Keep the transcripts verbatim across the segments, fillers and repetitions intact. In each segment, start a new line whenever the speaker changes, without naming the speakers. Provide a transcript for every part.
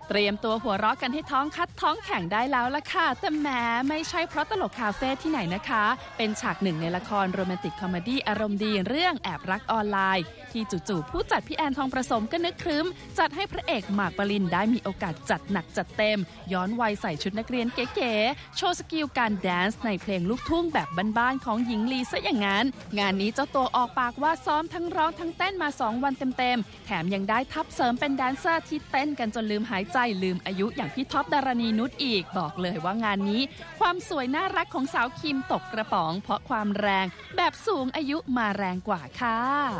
เตรียมตัวหัวเราะกันให้ท้องคัดท้องแข็งได้แล้วล่ะค่ะแต่แหมไม่ใช่เพราะตลกคาเฟ่ที่ไหนนะคะเป็นฉากหนึ่งในละครโรแมนติกคอมเมดี้อารมณ์ดีเรื่องแอบรักออนไลน์ที่จู่ๆผู้จัดพี่แอนทองประสมก็นึกครึ้มจัดให้พระเอกหมากปรินได้มีโอกาสจัดหนักจัดเต็มย้อนวัยใส่ชุดนักเรียนเก๋ๆโชว์สกิลการแดนซ์ในเพลงลูกทุ่งแบบบ้านๆของหญิงลีซะอย่างนั้นงานนี้เจ้าตัวออกปากว่าซ้อมทั้งร้องทั้งเต้นมาสองวันเต็มๆแถมยังได้ทับเสริมเป็นแดนเซอร์ที่เต้นกันจนลืมหายใจลืมอายุอย่างพี่ท็อปดารณีนุชอีกบอกเลยว่างานนี้ความสวยน่ารักของสาวคิมตกกระป๋องเพราะความแรงแบบสูงอายุมาแรงกว่าค่ะ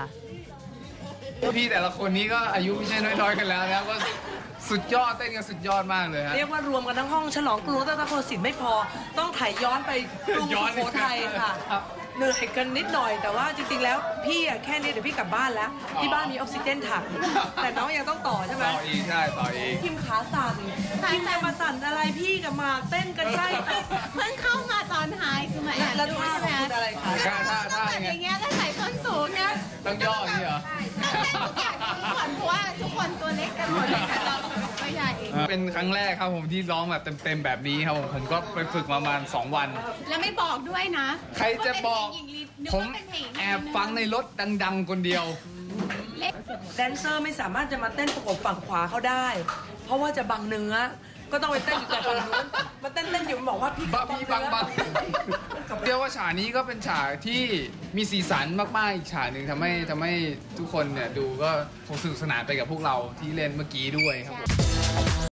พี่แต่ละคนนี้ก็อายุไม่ใช่น้อยๆกันแล้วนะก็สุดยอดเต้นกันสุดยอดมากเลยฮะ
เรียกว่ารวมกันทั้งห้องฉลองกรุงรัตนโกสินทร์ไม่พอต้องถ่ายย้อนไปกรุงสุโขทัยค่ะเหนื่อยกันนิดหน่อยแต่ว่าจริงๆแล้วพี่อะแค่นี้เดี๋ยวพี่กลับบ้านแล้วที่บ้านมีออกซิเจนถังแต่น้องยังต้องต่อใช่ไหม
ต่ออีกใช่ต่ออีก
คิมขาสั่นคิมจะมาสั่นอะไรพี่กับหมากเต้นกันใช่
เพิ่งเข้ามาตอนท้ายคือมาอ่าน
แล้วท่าเป็นอะไรคะ
ท่าท่าท่า
อย่างเงี้ยแล้วใส่ส้นสูงเนี่ย
ต้องย่ออย่างนี้เหรอ
เพราะว่าทุกคนตัวเล็กกันหมดเลยค่ะเราตัวใหญ่
เป็นครั้งแรกครับผมที่ร้องแบบเต็มๆแบบนี้ครับผมผมก็ไปฝึกมาประมาณสองวัน
แล้วไม่บอกด้วยนะ
ใครจะบอกผมแอบฟังในรถดังๆคนเดียว
แดนเซอร์ไม่สามารถจะมาเต้นประกบฝั่งขวาเขาได้เพราะว่าจะบังเนื้อก็ต้องไปเต้นอยู่แต่ฝั่งนู้นมาเต้นเต้นอยู่บอกว่าพี่
บังพี่บังบังเรียกว่าฉากนี้ก็เป็นฉากที่มีสีสันมากๆอีกฉากหนึ่งทำให้ทำให้ทุกคนเนี่ยดูก็สนุกสนานไปกับพวกเราที่เล่นเมื่อกี้ด้วยครับ